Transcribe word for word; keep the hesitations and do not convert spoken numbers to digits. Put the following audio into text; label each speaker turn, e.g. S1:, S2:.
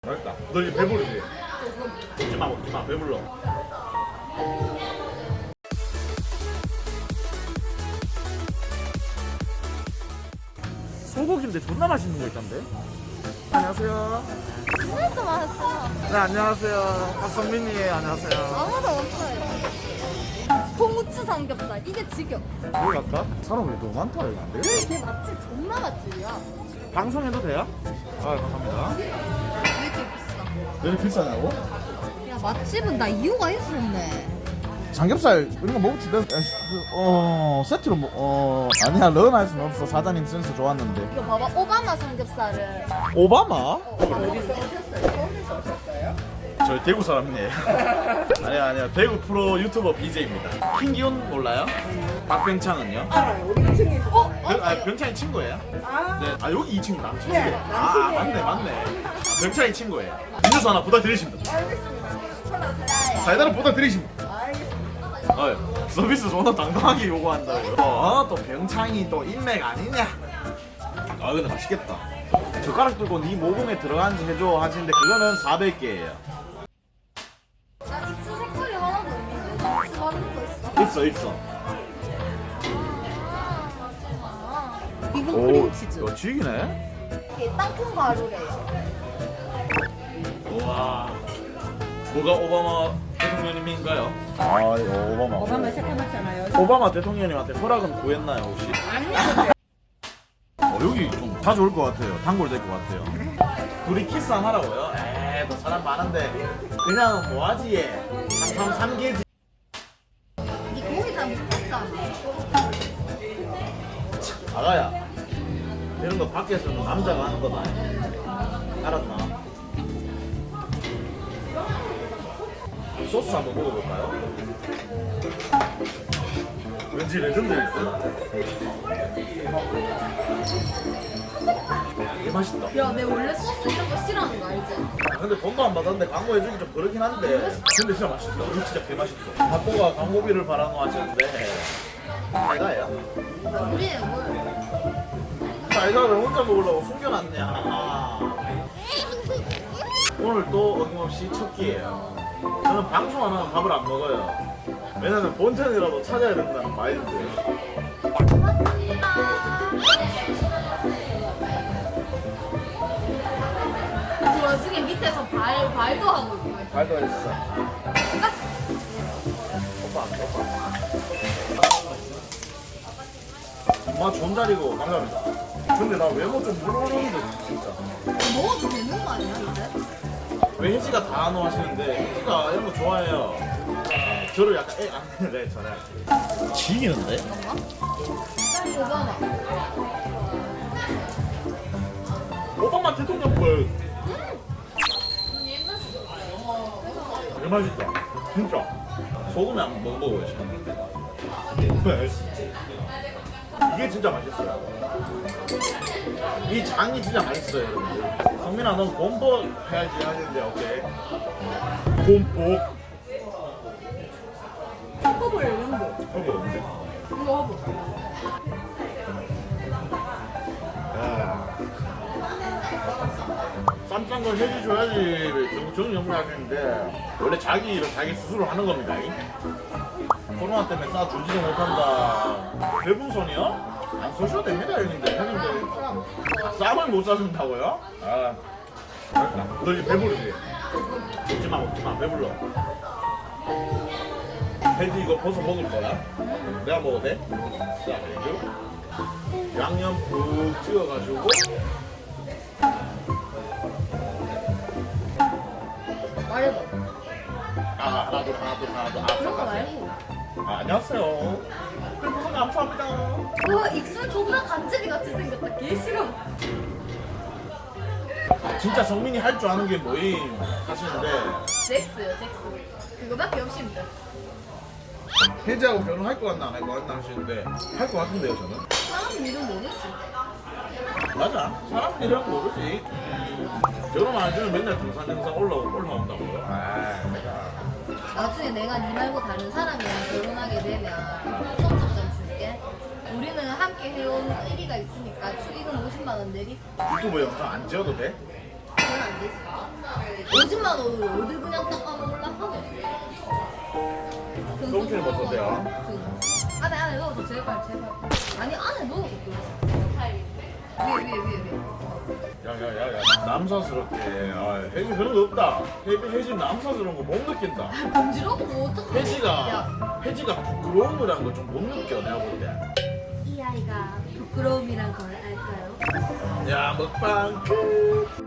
S1: 맛있다. 너 이제 배부르지? 먹지마 먹지마 배불러. 소고기인데 존나 맛있는 거 있던데? 안녕하세요.
S2: 진짜 맛있어.
S1: 네 안녕하세요. 박성민이에요. 안녕하세요.
S2: 아무도 없어요. 홍우추 삼겹살 이게 지겨.
S1: 여기 갈까? 사람이 너무 많다 여기 안 돼?
S2: 걔 맛집 존나 맛집이야.
S1: 방송해도 돼요? 아 감사합니다.
S2: 왜 이렇게 비싸?
S1: 왜 이렇게 비싸냐고?
S2: 야 맛집은 다 이유가 있었네.
S1: 삼겹살 이런 거 먹을 수 있어. 어 세트로 뭐, 어 아니야 런 할 수는 없어. 사장님 센스 좋았는데.
S2: 이거 봐봐 오바마 삼겹살을.
S1: 오바마?
S2: 어디서 오셨어요? 서울에서 오셨어요?
S1: 저희 대구 사람이에요. 아니야 아니야 대구 프로 유튜버 비제이입니다. 킹기훈 몰라요? 박병창은요?
S3: 알아요. 우리 이 층에 있어.
S2: 어?
S1: 병, 아 병창이 친구예요?
S3: 아,
S1: 네. 아 여기 이 친구 남친이에요.
S3: 네,
S1: 아,
S3: 남친이에요.
S1: 아 맞네 맞네. 아, 병창이 친구예요. 음료수 하나 부탁드리십니다.
S3: 알겠습니다. 편하세요.
S1: 사이다를 부탁드리십니다.
S3: 알겠습니다.
S1: 어, 서비스 존나 당당하게 요구한다고요. 어, 또 병창이 또 인맥 아니냐? 아 근데 맛있겠다. 젓가락 들고 네 모공에 들어간지 해줘 하시는데 그거는 사백 개예요.
S2: 나 입술 색깔이 하나도 없는데 입술 하는 거 있어?
S1: 있어 있어.
S2: 아, 이건 크림치즈.
S1: 이거 죽이네.
S2: 이게 땅콩 가루래요.
S1: 우와. 뭐가 오바마 대통령님인가요? 아 이거 오바마.
S3: 오바마 새까맣잖아요.
S1: 오바마 대통령님한테 허락은 구했나요 혹시?
S3: 아니요.
S1: 어, 여기 좀 자주 올 것 같아요. 단골 될 것 같아요. 둘이 키스 안 하라고요? 에이, 너 사람 많은데 그냥 뭐하지 얘? 삼삼 삼개지.
S2: 이 고기 잘 못했잖아.
S1: 아가야, 이런 거 밖에서는 남자가 하는 거다. 알았나? 소스 한번 먹어볼까요? 왠지 레전드 있어. 되게 맛있다.
S2: 야, 내 원래 소스 이런 거 싫어하는 거 알지?
S1: 근데 돈도 안 받았는데 광고해주기 좀 그렇긴 한데 근데 진짜 맛있어. 이거 진짜 개 맛있어. 바보가 광고비를 바라노 하시는데 사이다예요?
S2: 우리는 뭘?
S1: 사이다를 혼자 먹으려고 숨겨놨냐. 오늘 또 어김없이 첫 끼예요. 저는 방송 안 하면 밥을 안 먹어요. 왜냐면 본전이라도 찾아야 된다는 마인드.
S2: 그 와중에 밑에서 발, 발도 하고 있고.
S1: 발도 했어. 오빠 안 오빠. 엄마 좋은 자리고 감사합니다. 근데 나 외모 좀 물어오는데 진짜.
S2: 먹어도 되는 거 아니야, 이제?
S1: 왜 혜지가 다 안 하시는데 혜지가 이런 거 좋아해요. 저를 약간 애 안 네, 전화할게요. 지기는데?
S2: 그런가? 오바마.
S1: 오바마 대통령 걸. 되게 맛있다. 진짜. 소금에 안 먹어보고 이게 진짜 맛있어요. 이 장이 진짜 맛있어요, 여러분들. 성민아, 넌 곰보 해야지 하는데 오케이. 곰보.
S2: 허블 이런 거.
S1: 여기 없는데?
S2: 이거 허블.
S1: 야. 쌈싼 걸 해줘야지 저는 연구를 하시는데 원래 자기 일은 자기 스스로 하는 겁니다. 코로나 때문에 싸 주지도 못한다. 별풍선이요? 안 쏘셔도 됩니다, 형님들. 형님들 쌈을 못 싸준다고요? 아, 그러니까. 너 이제 배부르지? 먹지마 먹지마 배불러. 해지 이거 벗어 먹을 거야? 내가 먹어도 돼? 자, 그리고 양념 푹 찍어가지고
S2: 말해봐.
S1: 아 하나 둘 하나 둘 하나 둘 아,
S2: 그런 거
S1: 아,
S2: 말고.
S1: 아 안녕하세요. 별풍선 감사합니다.
S2: 와, 입술 존나 간지리 같이 생겼다. 개 싫어.
S1: 진짜 성민이 할 줄 아는 게 뭐임 하시는데
S2: 잭스요, 잭스. 그거밖에 없습니다.
S1: 혜지하고 결혼할 것 같나 안 할 것 같나 하시는데 할 것 같은데요 저는.
S2: 사람 이름 모르지.
S1: 맞아. 사람들이랑 모르지. 결혼 안 해주면 맨날 등산 영상 올라 올라온다고요. 아 내가
S2: 나중에 내가 니 말고 다른 사람이랑 결혼하게 되면 손톱 좀 줄게. 우리는 함께 해온 의리가 있으니까 축의금 오십만 원 내리.
S1: 유튜브 영상 안 지어도 돼?
S2: 그건 안 오십만 원으로 어딜 그냥 닦아 먹으려고?
S1: 똥치는 뭐 썼어요?
S2: 안에 안에 넣어서 제발 제발. 아니 안에 넣어서 위에 위에 위에 위에.
S1: 야야야야 남사스럽게 아 혜지 그런 거 없다. 혜지 혜지 남사스러운 거 못 느낀다.
S2: 금지럽고 어떡해.
S1: 혜지가 혜지가 부끄러움이란 걸 좀 못 느껴 내가 볼 때.
S2: 이 아이가 부끄러움이란 걸 알까요?
S1: 야 먹방 끝.